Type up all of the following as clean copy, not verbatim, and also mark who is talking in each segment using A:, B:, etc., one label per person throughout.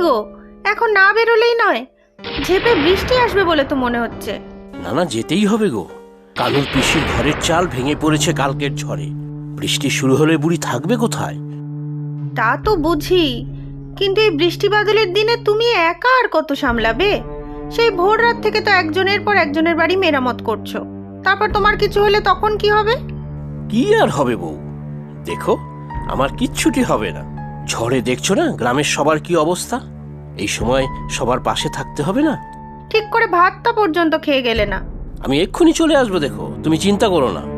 A: গো, এখন না বেরোলেই নয়। ঝেপে বৃষ্টি আসবে বলে তো মনে হচ্ছে।
B: না না, যেতেই হবে গো। কানুর পিসির ঘরের চাল ভেঙে পড়েছে কালকের ঝড়ে। বৃষ্টি শুরু হলে বুড়ি থাকবে কোথায়?
A: তা তো বুঝি, কিন্তু এই বৃষ্টি বাদলের দিনে তুমি একা আর কত সামলাবে? সেই ভোর রাত থেকে তো একজনের পর একজনের বাড়ি মেরামত করছো। তারপর তোমার কিছু হলে তখন কি হবে?
B: কি আর হবে বউ, দেখো আমার কিচ্ছুটি হবে না। ঝড়ে দেখছো না গ্রামের সবার কি অবস্থা। এই সময় সবার পাশে থাকতে হবে না?
A: ঠিক করে ভাতটা পর্যন্ত খেয়ে গেলে না।
B: আমি এক্ষুনি চলে আসবো, দেখো তুমি চিন্তা করো না।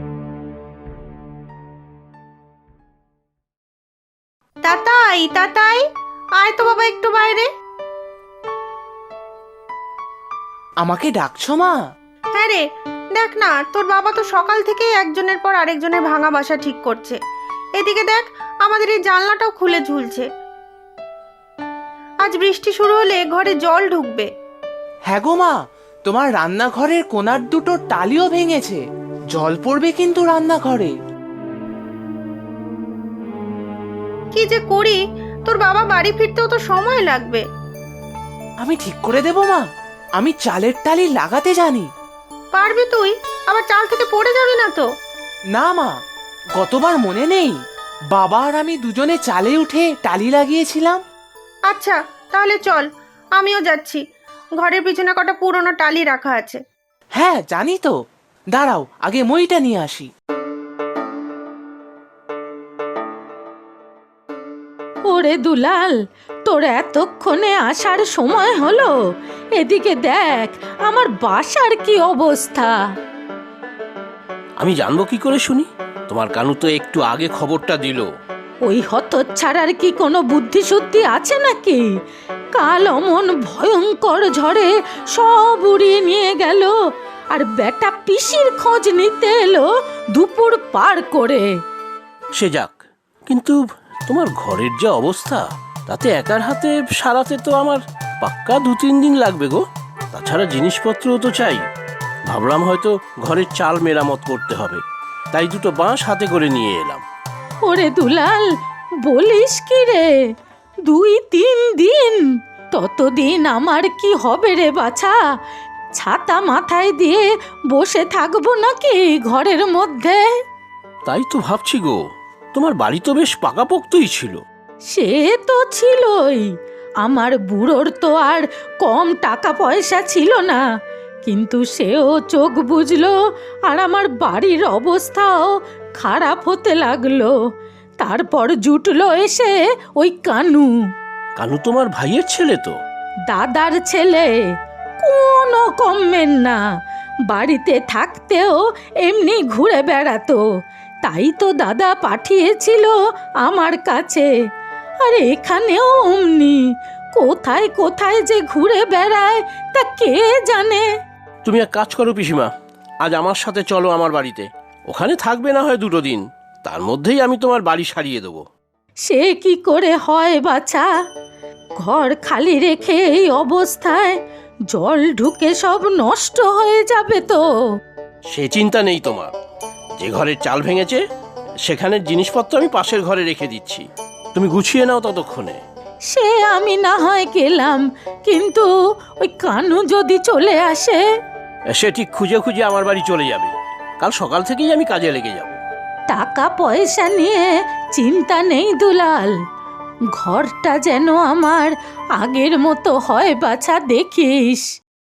A: তাতাই, তাতাই, আয় তো বাবা একটু বাইরে।
C: আমাকে ডাকছো মা?
A: হ্যাঁ রে, দেখ না, তোর বাবা তো সকাল থেকেই একজনের পর আরেকজনের ভাঙা বাসা ঠিক করছে। এদিকে দেখ, আমাদের এই জানলাটাও খুলে ঝুলছে। আজ বৃষ্টি শুরু হলে ঘরে জল ঢুকবে।
C: হ্যাঁ গো মা, তোমার রান্নাঘরের কোণার দুটো টালিও ভেঙেছে। জল পড়বে কিন্তু রান্নাঘরে।
A: কি যে করি, তোর বাবা বাড়ি ফিরতেও তো সময় লাগবে।
C: আমি ঠিক করে দেব মা, আমি চালের টালি লাগাতে জানি।
A: পারবি তুই? আবার চাল থেকে পড়ে যাবি না তো?
C: না মা, গতবার মনে নেই বাবা আর আমি দুজনে চালে উঠে টালি লাগিয়েছিলাম?
A: আচ্ছা, তাহলে চল, আমিও যাচ্ছি। ঘরের পিছনে কটা পুরনো টালি রাখা আছে।
C: হ্যাঁ জানি তো, দাঁড়াও আগে মইটা নিয়ে আসি।
D: ওরে দুলাল, তোর এতক্ষণে আসার সময় হলো? এদিকে দেখ আমার বাসার কি অবস্থা।
B: আমি জানবো কি করে শুনি? তোমার কানু তো একটু আগে খবরটা দিল।
D: ওই হতচ্ছাড়ার কি কোনো বুদ্ধি শুদ্ধি আছে নাকি? কাল অমন ভয়ঙ্কর ঝড়ে সব উড়িয়ে নিয়ে গেল, আর বেটা পিসির খোঁজ নিতে এলো দুপুর পার করে।
B: সে যাক, কিন্তু তোমার ঘরের যে অবস্থা, তাতে একার হাতে সারাতে তো আমার পাক্কা 2-3 দিন লাগবে গো। তাছাড়া জিনিসপত্রও তো চাই। ভাবলাম হয়তো ঘরের চাল মেরামত করতে হবে, তাই দুটো বাঁশ হাতে করে নিয়ে এলাম।
D: ওরে দুলাল, বলিস কি রে? 2-3 দিন? ততদিন আমার কি হবে রে বাছা? ছাতা মাথায় দিয়ে বসে থাকবো নাকি ঘরের মধ্যে?
B: তাই তো ভাবছি গো, তোমার বাড়ি তো বেশ পাকাপোক্তই ছিল।
D: সে তো ছিলই, আমার বুড়োর তো আর কম টাকা পয়সা ছিল না, কিন্তু সেও চোখ বুঝলো আর আমার বাড়ির অবস্থাও খারাপ হতে লাগলো। তারপর জুটলো এসে ওই কানু।
B: কানু তোমার ভাইয়ের ছেলে তো?
D: দাদার ছেলে, কোনো কমের না। বাড়িতে থাকতেও এমনি ঘুরে বেড়াতো, তাই তো দাদা পাঠিয়েছিল আমার কাছে। আর এখানেও অমনি কোথায় কোথায় যে ঘুরে বেড়ায় তা কে জানে।
B: তুমি এক কাজ করো পিসিমা, আজ আমার সাথে চলো আমার বাড়িতে। ওখানে থাকবে না হয় 2 দিন, তার মধ্যেই আমি তোমার বাড়ি সারিয়ে দেবো।
D: সে কি করে হয় বাছা? ঘর খালি রেখে এই অবস্থায় জল ঢুকে সব নষ্ট হয়ে যাবে তো।
B: সে চিন্তা নেই তোমার। যে ঘরের চাল ভেঙেছে সেখানের জিনিসপত্র আমি পাশের ঘরে রেখে দিচ্ছি, তুমি গুছিয়ে নাও ততক্ষণে।
D: সে আমি না হয় গেলাম, কিন্তু ওই কানু যদি চলে আসে?
B: সে ঠিক খুঁজে খুঁজে আমার বাড়ি চলে যাবে। কাল সকাল থেকেই আমি কাজে লেগে যাব।
D: টাকা পয়সা নিয়ে চিন্তা নেই দুলাল, ঘরটা যেন আমার আগের মতো হয় বাছা, দেখিস।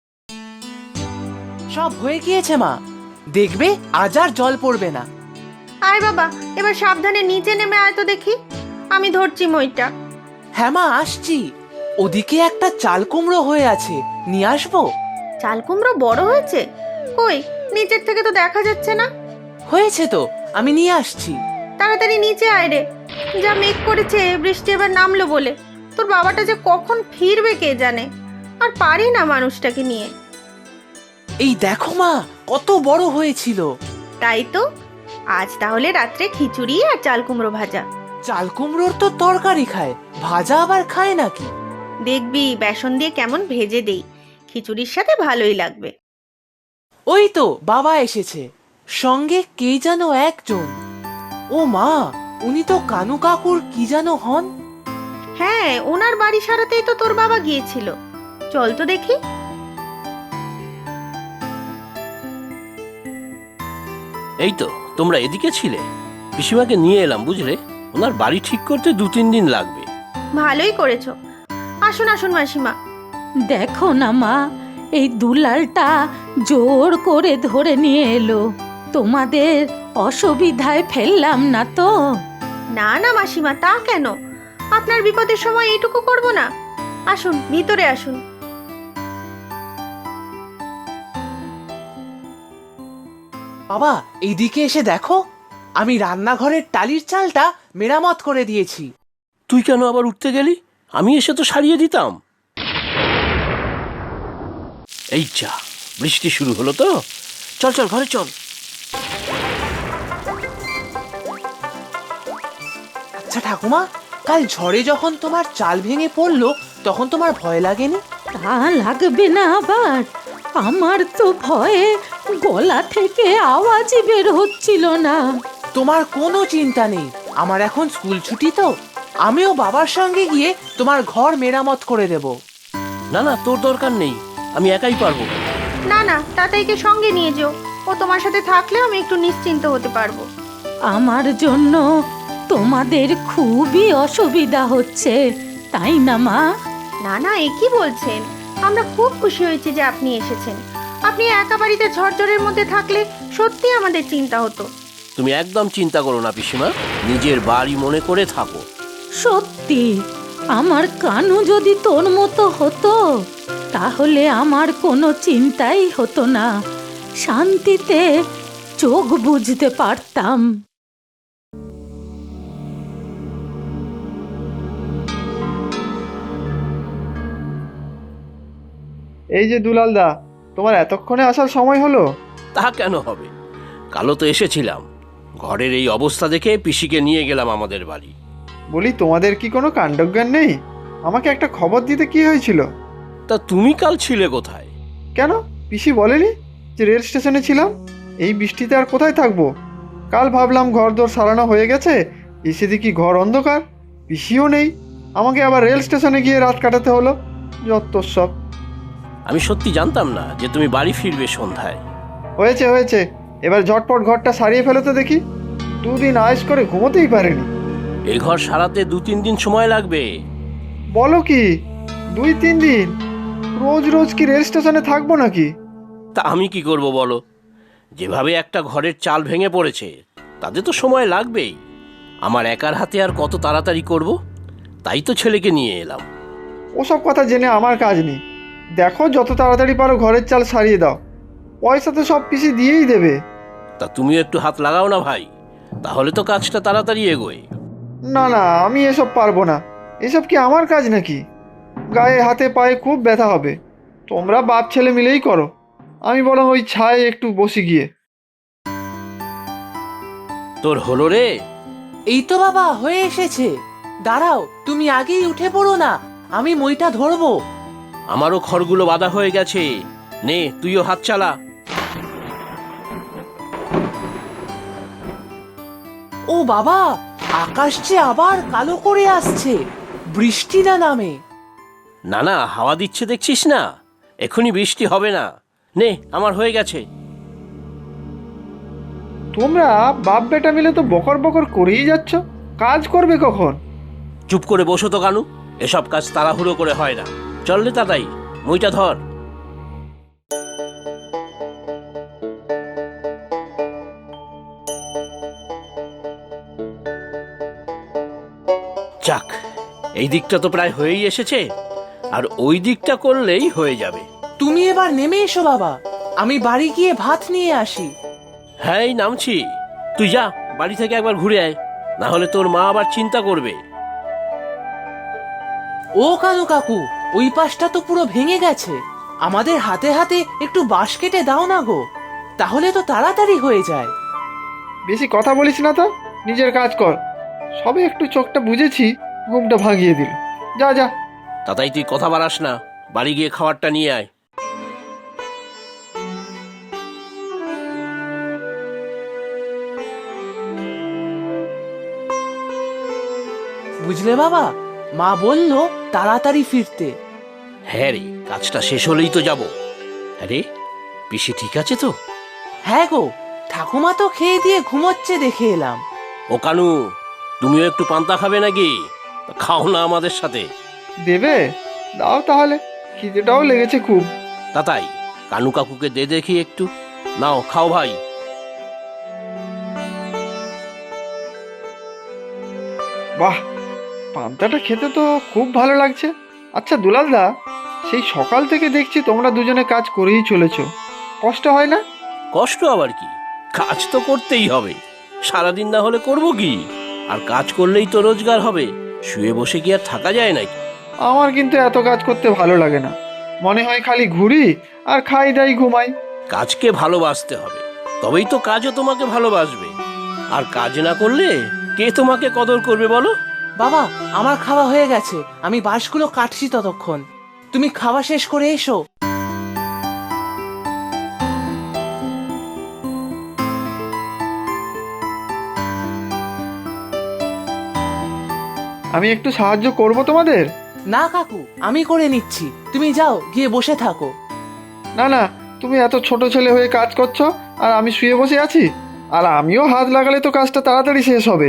C: সব হয়ে গিয়েছে মা, দেখবে আজ আর জল পড়বে না।
A: আয় বাবা, এবার সাবধানে নিচে নেমে আয় তো দেখি। আমি ধরছি মইটা।
C: হ্যাঁ মা, আসছি। ওদিকে একটা চাল কুমড়ো হয়ে আছে, নিয়ে আসবো?
A: চাল কুমড়ো বড় হয়েছে? কই, নিচের থেকে তো দেখা যাচ্ছে না।
C: হয়েছে তো, আমি নিয়ে আসছি।
A: তাড়াতাড়ি নিচে আয় রে, যা মেঘ করেছে বৃষ্টি এবার নামলো বলে। তোর বাবাটা যে কখন ফিরবে কে জানে। আর পারি না মানুষটাকে নিয়ে।
C: এই দেখো মা, কত বড় হয়েছিল।
A: তাই তো, আজ তাহলে রাত্রে খিচুড়ি আর চাল কুমড়ো ভাজা।
C: চাল কুমড়োর তো তরকারি খায়, ভাজা আবার খায় নাকি?
A: দেখবি বেসন দিয়ে কেমন ভেজে দেই, খিচুড়ির সাথে ভালোই লাগবে।
C: ওই তো বাবা এসেছে, সঙ্গে কে যেন একজন। ও মা, উনি তো কানু কাকুর কি যেন হন।
A: হ্যাঁ, ওনার বাড়ি সারাতেই তো তোর বাবা গিয়েছিল। চল তো দেখি।
B: এই তো তোমরা এদিকে ছিলে। পিসিমাকে নিয়ে এলাম বুঝলে, ওনার বাড়ি ঠিক করতে 2-3 দিন লাগবে।
A: ভালোই করেছো। আসুন আসুন মাসিমা।
D: দেখো না মা, এই দুলালটা জোর করে ধরে নিয়ে এলো। তোমাদের অসুবিধায় ফেললাম না তো?
A: না না মাসিমা, তা কেন? আপনার বিপদের সময় এইটুকু করব না? আসুন, ভিতরে আসুন।
C: বাবা, এইদিকে এসে দেখো, আমি রান্নাঘরের টালির চালটা মেরামত করে দিয়েছি।
B: তুই কেন আবার উঠতে গেলি? আমি এসে তো সারিয়ে দিতাম। এই যা, বৃষ্টি শুরু হলো তো। চল চল, ঘরে চল।
C: আচ্ছা ঠাকুমা, কাল ঝড়ে যখন তোমার চাল ভেঙে পড়লো তখন তোমার ভয় লাগেনি?
D: তা লাগবে না আবার? আমার তো ভয়ে গলা থেকে আওয়াজই বের হচ্ছিল না।
C: তোমার কোনো চিন্তা নেই, আমার এখন স্কুল ছুটি তো। আমিও বাবার সঙ্গে গিয়ে তোমার ঘর মেরামত করে দেব।
B: না না, তোর দরকার নেই, আমি একাই পারবো।
A: না না, তাতাইকে সঙ্গে নিয়ে যেও। ও তোমার সাথে থাকলে আমি একটু নিশ্চিন্ত হতে পারবো।
D: আমার জন্য তোমাদের খুবই অসুবিধা হচ্ছে, তাই না মা?
A: না না, এ কি বলছেন? আমরা খুব খুশি হয়েছি যে আপনি এসেছেন। আপনি একা বাড়িতে ঝড়ঝড়ের মধ্যে থাকলে সত্যি আমাদের চিন্তা হতো।
B: তুমি একদম চিন্তা করো না পিসিমা, নিজের বাড়ি মনে করে থাকো।
D: সত্যি, আমার কানু যদি তোর মতো হতো তাহলে আমার কোনো চিন্তাই হতো না, শান্তিতে চোখ বুঝতে পারতাম।
E: এই যে দুলালদা, তোমার এতক্ষণে আসার সময় হলো?
B: তা কেন হবে, কালো তো এসেছিলাম। ঘরের এই অবস্থা দেখে পিসিকে নিয়ে গেলাম আমাদের বাড়ি।
E: বলি, তোমাদের কি কোনো কাণ্ডজ্ঞান নেই? আমাকে একটা খবর দিতে কি হয়েছিল?
B: তা তুমি কাল ছিলে কোথায়?
E: কেন, পিসি বলেনি যে রেল স্টেশনে ছিলাম? এই বৃষ্টিতে আর কোথায় থাকবো? কাল ভাবলাম ঘরদোর সারানো হয়ে গেছে, এসে দেখি ঘর অন্ধকার, পিসিও নেই। আমাকে আবার রেল স্টেশনে গিয়ে রাত কাটাতে হলো। যত সব।
B: আমি সত্যি জানতাম না যে তুমি বাড়ি ফিরবে সন্ধ্যায়।
E: হয়েছে হয়েছে, এবার ঝটপট ঘরটা সারিয়ে ফেলো তো দেখি। 2 দিন আয়েশ করে ঘুমোতেই পারিনি।
B: এই ঘর সারাতে 2-3 দিন সময় লাগবে।
E: বলো কি, 2-3 দিন? রোজ রোজ কি রেল স্টেশনে থাকবো নাকি?
B: তা আমি কি করব বলো, যেভাবে একটা ঘরের চাল ভেঙে পড়েছে তাতে তো সময় লাগবেই। আমার একার হাতে আর কত তাড়াতাড়ি করব, তাই তো ছেলেকে নিয়ে এলাম।
E: ওসব কথা জেনে আমার কাজ নেই। দেখো, যত তাড়াতাড়ি পারো ঘরের চাল সারিয়ে দাও। পয়সা তো সব পিসি দিয়েই দেবে।
B: তা তুমিও একটু হাত লাগাও না ভাই, তাহলে তো কাজটা তাড়াতাড়ি এগোয়।
E: না না, আমি এসব পারবো না। এসব কি আমার কাজ নাকি? গায়ে হাতে পায়ে খুব ব্যথা হবে। তোমরা বাপ ছেলে মিলেই করো, আমি বরং ওই ছায়ে একটু বসি গিয়ে।
B: তোর হলো রে?
C: এই তো বাবা, হয়ে এসেছে। দাঁড়াও, তুমি আগেই উঠে পড়ো না, আমি মইটা ধরবো।
B: আমারও খড়গুলো বাঁধা হয়ে গেছে, নে তুইও হাত চালা।
C: ও বাবা, আকাশ যে আবার কালো করে আসছে, বৃষ্টি না নামে।
B: না না, হাওয়া দিচ্ছে দেখছিস না, এখনই বৃষ্টি হবে না। নে, আমার হয়ে গেছে।
E: তোমরা বাপ বেটা মিলে তো বকর বকর করেই যাচ্ছ, কাজ করবে কখন?
B: চুপ করে বসো তো কানু, এসব কাজ তাড়াহুড়ো করে হয় না। চল রে তাতাই, মইটা ধর। যাক, এই দিকটা তো প্রায় হয়েই এসেছে, আর ওই দিকটা করলেই হয়ে যাবে।
C: তুমি এবার নেমে এসো বাবা, আমি বাড়ি গিয়ে ভাত নিয়ে আসি।
B: হ্যাঁ, এই নামছি। তুই যা, বাড়ি থেকে একবার ঘুরে আয়, না হলে তোর মা আবার চিন্তা করবে।
C: ও কানু কাকু, ওই পাশটা তো পুরো ভেঙে গেছে। আমাদের হাতে হাতে একটু বাঁশ কেটে দাও না গো, তাহলে তো তাড়াতাড়ি হয়ে যায়।
E: বেশি কথা বলিস না তো, নিজের কাজ কর। সবে একটু চোখটা বুঝেছি, ঘুমটা ভাঙিয়ে দিল। যা যা।
B: তাতাই তুই কথা বাড়াস না, বাড়ি গিয়ে খাবারটা নিয়ে আয়।
C: বুঝলে বাবা, মা বলল তাড়াতাড়ি ফিরতে।
B: হ্যাঁ রে, কাজটা শেষ হলেই তো যাব। আরে পিসি ঠিক আছে তো?
C: হ্যাঁ গো, ঠাকুমা তো খেয়ে দিয়ে ঘুমোচ্ছে দেখে এলাম।
B: ও কানু, তুমিও একটু পান্তা খাবে নাকি? খাও না আমাদের সাথে।
E: দেবে? দাও তাহলে, খিদেটাও লেগেছে খুব।
B: তাতাই, কানু কাকুকে দে দেখি একটু। নাও খাও ভাই।
E: বাহ, পান্তাটা খেতে তো খুব ভালো লাগছে। আচ্ছা দুলালদা, সেই সকাল থেকে দেখছি তোমরা দুজনে কাজ করেই চলেছো, কষ্ট হয় না?
B: কষ্ট আবার কি, কাজ তো করতেই হবে। সারাদিন না হলে করব কি? আর কাজ করলেই তো রোজগার হবে। শুয়ে বসে কি আর থাকা যায় নাকি?
E: আমার কিন্তু এত কাজ করতে ভালো লাগে না, মনে হয় খালি ঘুরি আর খাই দাই ঘুমাই।
B: কাজকে ভালোবাসতে হবে, তবেই তো কাজও তোমাকে ভালোবাসবে। আর কাজ না করলে কে তোমাকে কদর করবে বলো?
C: বাবা, আমার খাওয়া হয়ে গেছে, আমি বাঁশগুলো কাটছি ততক্ষণ। তুমি খাওয়া শেষ করে এসো।
E: আমি একটু সাহায্য করব তোমাদের?
C: না কাকু, আমি করে নিচ্ছি, তুমি যাও গিয়ে বসে থাকো।
E: না না, তুমি এত ছোট ছেলে হয়ে কাজ করছো আর আমি শুয়ে বসে আছি? আর আমিও হাত লাগালে তো কাজটা তাড়াতাড়ি শেষ হবে।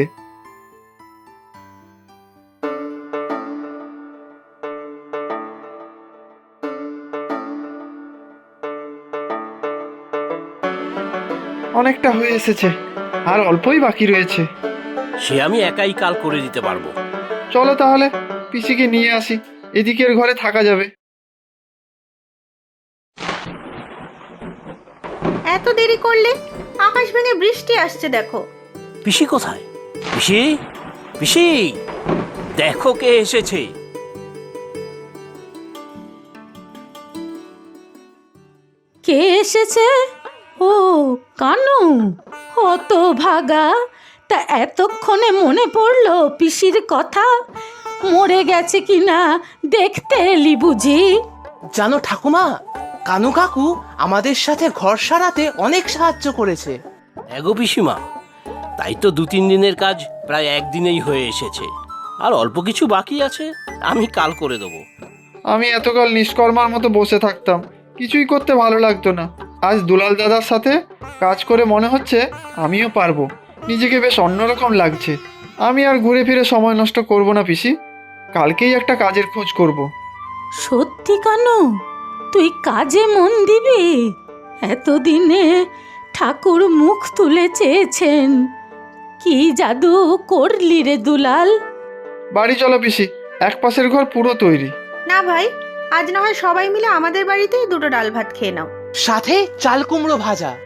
E: অনেকটা হয়ে এসেছে, আর অল্পই বাকি রয়েছে।
B: সে আমি একাই কাল করে দিতে পারবো।
E: চলো তাহলে পিসিকে নিয়ে আসি, এদিকের ঘরে থাকা যাবে।
A: এত দেরি করলে? আকাশ ভেঙে বৃষ্টি আসছে দেখো।
B: পিসি কোথায়? পিসি, পিসি, দেখো কে এসেছে।
D: কে এসেছে? ও কানু, অত ভাগা, তা এতক্ষণে মনে পড়লো পিসির কথা? মরে গেছে কিনা দেখতে এলি বুঝি?
C: জানো ঠাকুমা, কানু কাকু আমাদের সাথে ঘর সারাতে অনেক সাহায্য করেছে।
B: এগো পিসিমা, তাই তো 2-3 দিনের কাজ প্রায় একদিনেই হয়ে এসেছে। আর অল্প কিছু বাকি আছে, আমি কাল করে দেবো।
E: আমি এতকাল নিষ্কর্মার মতো বসে থাকতাম, কিছুই করতে ভালো লাগতো না। আজ দুলাল দাদার সাথে কাজ করে মনে হচ্ছে আমিও পারবো, নিজেকে বেশ অন্যরকম লাগছে। আমি আর ঘুরে ফিরে সময় নষ্ট করব না পিসি, কালকেই একটা কাজের খোঁজ করব।
D: সত্যি কানু, তুই কাজে মন দিবি? এতদিনে ঠাকুর মুখ তুলে চেয়েছেন, কি জাদু করলি রে দুলাল?
E: বাড়ি চলো পিসি, এক পাশের ঘর পুরো তৈরি।
A: না ভাই, আজ না হয় সবাই মিলে আমাদের বাড়িতেই দুটো ডাল ভাত খেয়ে নাও।
C: সাথে চাল কুমড়ো ভাজা।